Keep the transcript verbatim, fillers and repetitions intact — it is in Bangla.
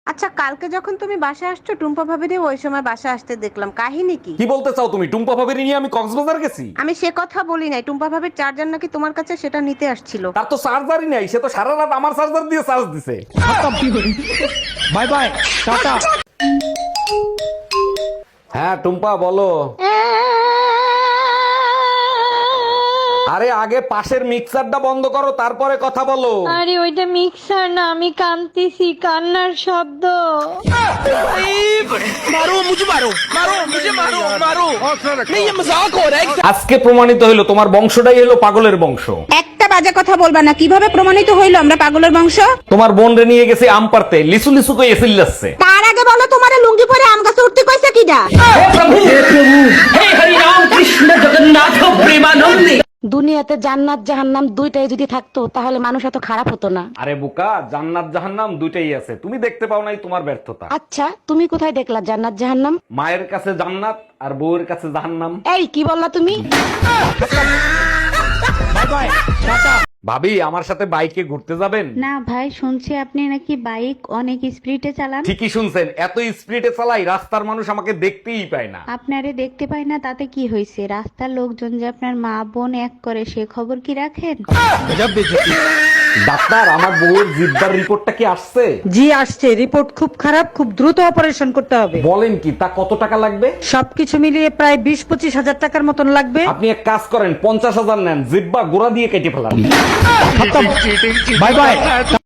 আচ্ছা, কালকে যখন তুমি বাসায় আসছো টুম্পা ভাবিরে ওই সময় বাসায় আসতে দেখলাম, কাহিনী কি? কি বলতে চাও তুমি? টুম্পা ভাবিরি নিয়ে আমি কক্সবাজার গেছি? আমি সে কথা বলি নাই, টুম্পা ভাবির চার্জার নাকি তোমার কাছে, সেটা নিতে আসছিল। তার তো চার্জারই নাই, সে তো সারা রাত আমার চার্জার দিয়ে চার্জ দিছে। Bye bye, tata. হ্যাঁ টুম্পা বলো। আরে আগে পাশের মিক্সারটা বন্ধ করো, তারপরে কথা বলো। আরে ওইটা মিক্সার না, আমি কাঁদতেছি, কান্নার শব্দ। আজকে প্রমাণিত হইলো তোমার বংশটাই হলো পাগলের বংশ। একটা বাজে কথা বলবা না। কিভাবে প্রমাণিত হইলো আমরা পাগলের বংশ? তোমার বোন রে নিয়ে গেছে আম পারতে, লিসু লিসু কই এসিল যাচ্ছে। তার আগে বলো, তোমার লুঙ্গি পরে আম গাছে উঠতে কইছে কিডা? দুনিয়াতে জান্নাত জাহান্নাম দুইটাই যদি থাকতো তাহলে মানুষ এত খারাপ হতো না। আরে বোকা, জান্নাত জাহান্নাম দুইটাই আছে, তুমি দেখতে পাও নাই, তোমার ব্যর্থতা। আচ্ছা, তুমি কোথায় দেখলা জান্নাত জাহান্নাম? মায়ের কাছে জান্নাত আর বউয়ের কাছে জাহান্নাম। এই কি বললা তুমি? ভাবি আমার সাথে বাইকে ঘুরতে যাবেন? না ভাই, শুনছি আপনি নাকি বাইক অনেক স্পিডে চালান। ঠিকই শুনছেন, এত স্পিডে চালাই রাস্তার মানুষ আমাকে দেখতেই পায় না। আপনারে দেখতে পাই না তাতে কি হয়েছে? রাস্তার লোকজন যে আপনার মা বোন এক করে সে খবর কি রাখেন? ডাক্তার, আমার বউয়ের জিব্বার রিপোর্টটা কি আসছে? জি আসছে, রিপোর্ট খুব খারাপ, খুব দ্রুত অপারেশন করতে হবে। বলেন কি, তা কত টাকা লাগবে? সবকিছু মিলিয়ে প্রায় বিশ পঁচিশ হাজার টাকার মতন লাগবে। আপনি এক কাজ করেন, পঞ্চাশ হাজার নেন, জিব্বা গোড়া দিয়ে কেটে ফেলান। Bye by.